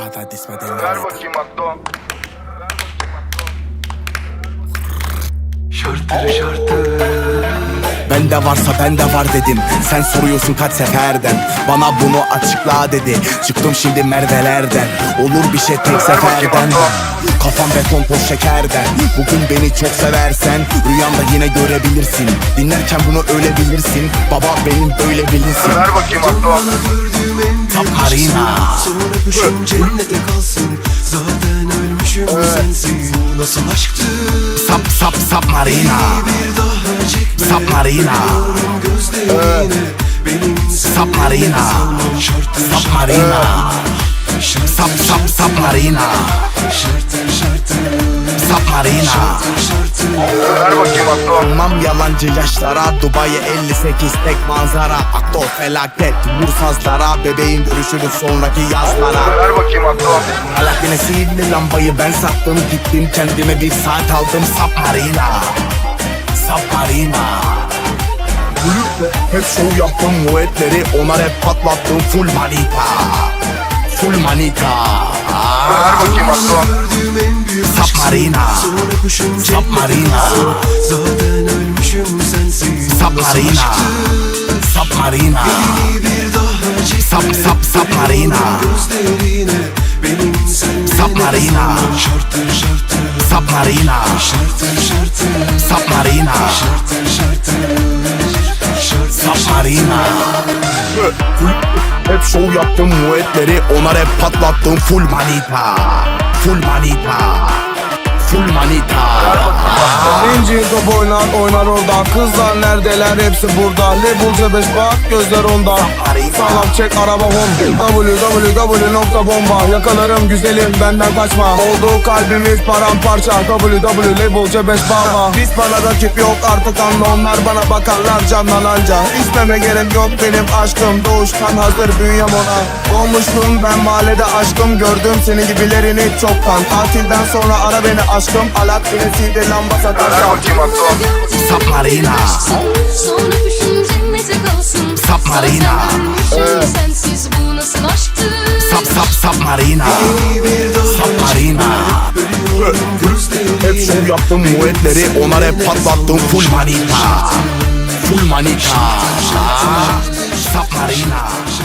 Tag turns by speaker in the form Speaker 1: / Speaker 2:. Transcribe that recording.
Speaker 1: kadar dismeden
Speaker 2: Ver bakayım Akdo.
Speaker 3: Şartları
Speaker 1: Bende varsa bende var dedim. Sen soruyorsun kaç seferden. Bana bunu açıkla dedi. Çıktım şimdi Merve'lerden. Olur bir şey tek seferden. Kafam beton toz şekerden. Bugün beni çok seversen rüyanda yine görebilirsin. Dinlerken bunu öyle bilirsin. Baba benim böyle bilinsin.
Speaker 2: Ver bakayım Akdo.
Speaker 3: gördüğüm en büyük
Speaker 1: Saparina.
Speaker 3: sonra öpüşüm cennete kalsın. Zaten ölmüşüm sensiz. Bu nasıl aşktı?
Speaker 1: Sap Marina.
Speaker 3: Bir daha çekme.
Speaker 1: Sap Marina.
Speaker 3: Gözlerine benim
Speaker 1: Sap Marina. Sap Marina. Sap Marina. Sap Marina.
Speaker 2: Ver bakayım Akdo.
Speaker 1: Anlam yalancı yaşlara. Dubai 58 tek manzara. Akdo felaket vursazlara. Bebeğin görüşürüz sonraki yazlara.
Speaker 2: Ver bakayım Akdo.
Speaker 1: Alakine sihirli lambayı ben sattım. Gittim kendime bir saat aldım. Sap Marina. Sap Marina. Hep şov yaptım muetleri. Onlar hep patlattım. Full manita. Full manita.
Speaker 2: Ver bakayım Akdo.
Speaker 3: gördüğüm en büyük
Speaker 1: Sap Marina.
Speaker 3: sonra öpüşüm
Speaker 1: Sap Marina.
Speaker 3: zaten ölmüşüm sensiz.
Speaker 1: Sap Marina. Sap Marina.
Speaker 3: Bir daha çekme.
Speaker 1: Sap Marina.
Speaker 3: Gözlerine benim sensiz.
Speaker 1: Sap Marina.
Speaker 3: Şartır şartır.
Speaker 1: Sap Marina.
Speaker 3: Şartır şartır.
Speaker 1: Sap Marina.
Speaker 3: Şartır şartır.
Speaker 1: Sap Marina. Hep şov yaptım muetleri. Onlar hep patlattım. Full manita. Full manita. Full manita.
Speaker 4: İnci top oynar oradan. Kızlar neredeler hepsi burada. Level C5 bak gözler onda. Sağlam çek araba Honda. www.bomba. Yakalarım güzelim benden kaçma. Oldu kalbimiz paramparça. www Level C5 baba. Biz bana rakip yok artık anla. Onlar bana bakarlar canlan anca. İsmeme gerek yok benim aşkım. Doğuştan hazır bünyem ona. Olmuştum ben mahallede aşkım. Gördüm senin gibilerini çoktan. Tatilden sonra ara beni aşkım. Alat bilesiyle lamba
Speaker 2: Ver
Speaker 4: satarsan.
Speaker 2: bakayım Akdo.
Speaker 1: Sap Marina.
Speaker 5: Sonra öpüşüm cennete kalsın.
Speaker 1: Sap Marina.
Speaker 5: Ölmüşüm sensiz bu nasıl aşktı?
Speaker 1: Sap Marina. Sap Marina. Hep şov yaptım muetleri. Onlar hep patlattım. Full manita. Full manita. Sap Marina.